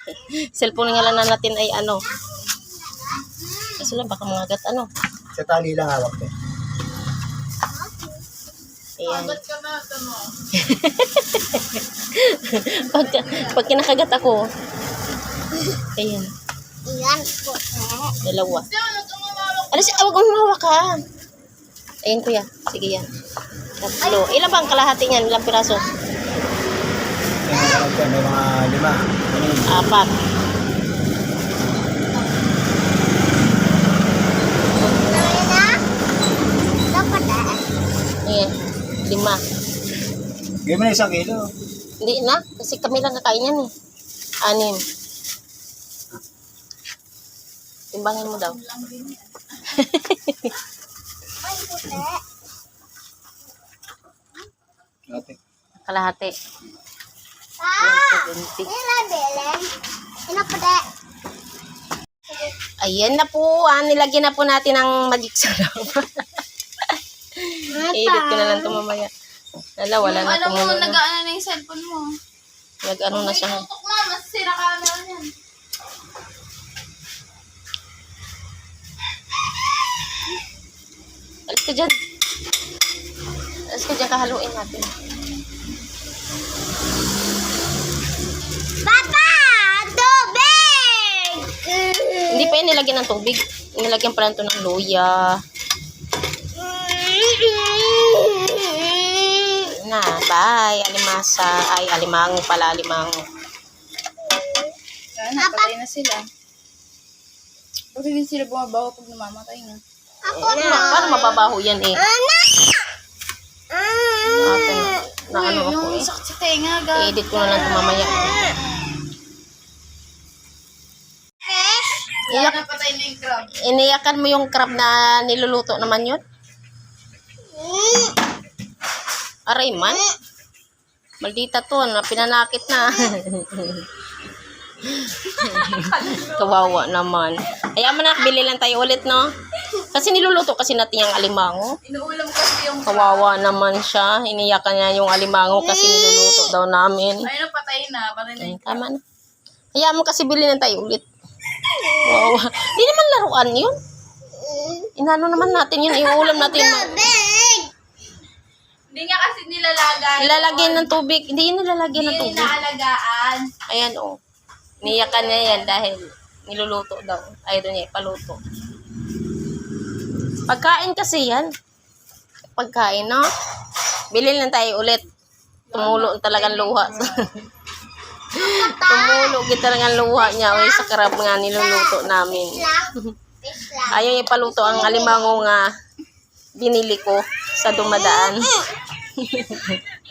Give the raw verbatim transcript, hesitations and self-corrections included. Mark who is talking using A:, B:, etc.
A: Cellphone nga lang na natin ay ano. Kasi lang baka mga gat ano.
B: Sa tali lang hawak ko.
A: Ayan. pag, pag kinakagat ako. Ayan.
C: Iyan po.
A: Dalawa. Ano si awag mong hawak ka. Ayan kuya. Sige yan. Tatlo. Ilan bang kalahati niyan? Ilang piraso?
B: May mga kalagyan, may mga lima. Anim.
A: Apat.
C: Dapat eh.
A: Ayan. Lima.
B: Gawin mo na isang kilo.
A: Hindi na. Kasi kami lang kakain yan eh. Anim. Timbangin mo daw.
C: Ay, puti.
B: Ate.
A: Kalahati.
C: Ah!
A: seventy.
C: Ila, Belen. Ina, puti.
A: Ayan na po. Ah, nilagyan na po natin ng magic sarap. I-edit ko na lang ito mamaya. Lala, wala na
D: Alam mo,
A: tumulo na.
D: nag-ano na yung cellphone mo.
A: Nag-ano na siya.
D: Tutok na, masisira ka na yan.
A: Alis ka dyan. Alis ka dyan, kahaluin natin.
C: Papa! Tubig!
A: Hindi pa yun nilagyan ng tubig. Nilagyan pala ito ng luya. Na, bye. Alimasa. Ay, alimango pala, alimango.
D: Kaya napatay na sila. Kasi hindi sila bumabaho pag namamatay na.
C: Ako
A: Eh,
C: na.
A: paano mababaho yan eh? Ate, na, na ano
D: Uy,
A: ako
D: yung
A: eh.
D: sakit sa tenga, gag.
A: I-edit ko na lang ito mamaya.
D: Kaya
A: Iyak,
D: napatay na yung crab.
A: iniyakan mo yung crab na niluluto naman yun? Aray man. Maldita to, na pinanakit na. Kawawa naman. Kaya mo na, bili lang tayo ulit, no? Kasi niluluto kasi natin yung alimango.
D: Inuulam kasi yung
A: Kawawa naman siya. Iniyakan niya yung alimango kasi niluluto daw namin.
D: Ay, napatay na. Patay na
A: Ay,
D: yung
A: tama na. Kaya mo kasi bili lang tayo ulit. Wow. Di naman laruan yun. Inano naman natin yun. Iulam natin.
C: Tubig!
D: Hindi nga kasi nilalagay.
A: Nilalagyan ng tubig. Hindi yun nilalagyan ng
D: Hindi
A: tubig.
D: inaalagaan.
A: Ayan o. Oh. Niyakan niya yan dahil niluluto daw. Ayaw doon niya ipaluto. Pagkain kasi yan. Pagkain, no? Bili lang tayo ulit. Tumulo talagang luha. Tumulo kita talagang luha niya. Uy, sa karap nga niluluto namin. Ayaw niya ipaluto ang alimango nga binili ko sa dumadaan.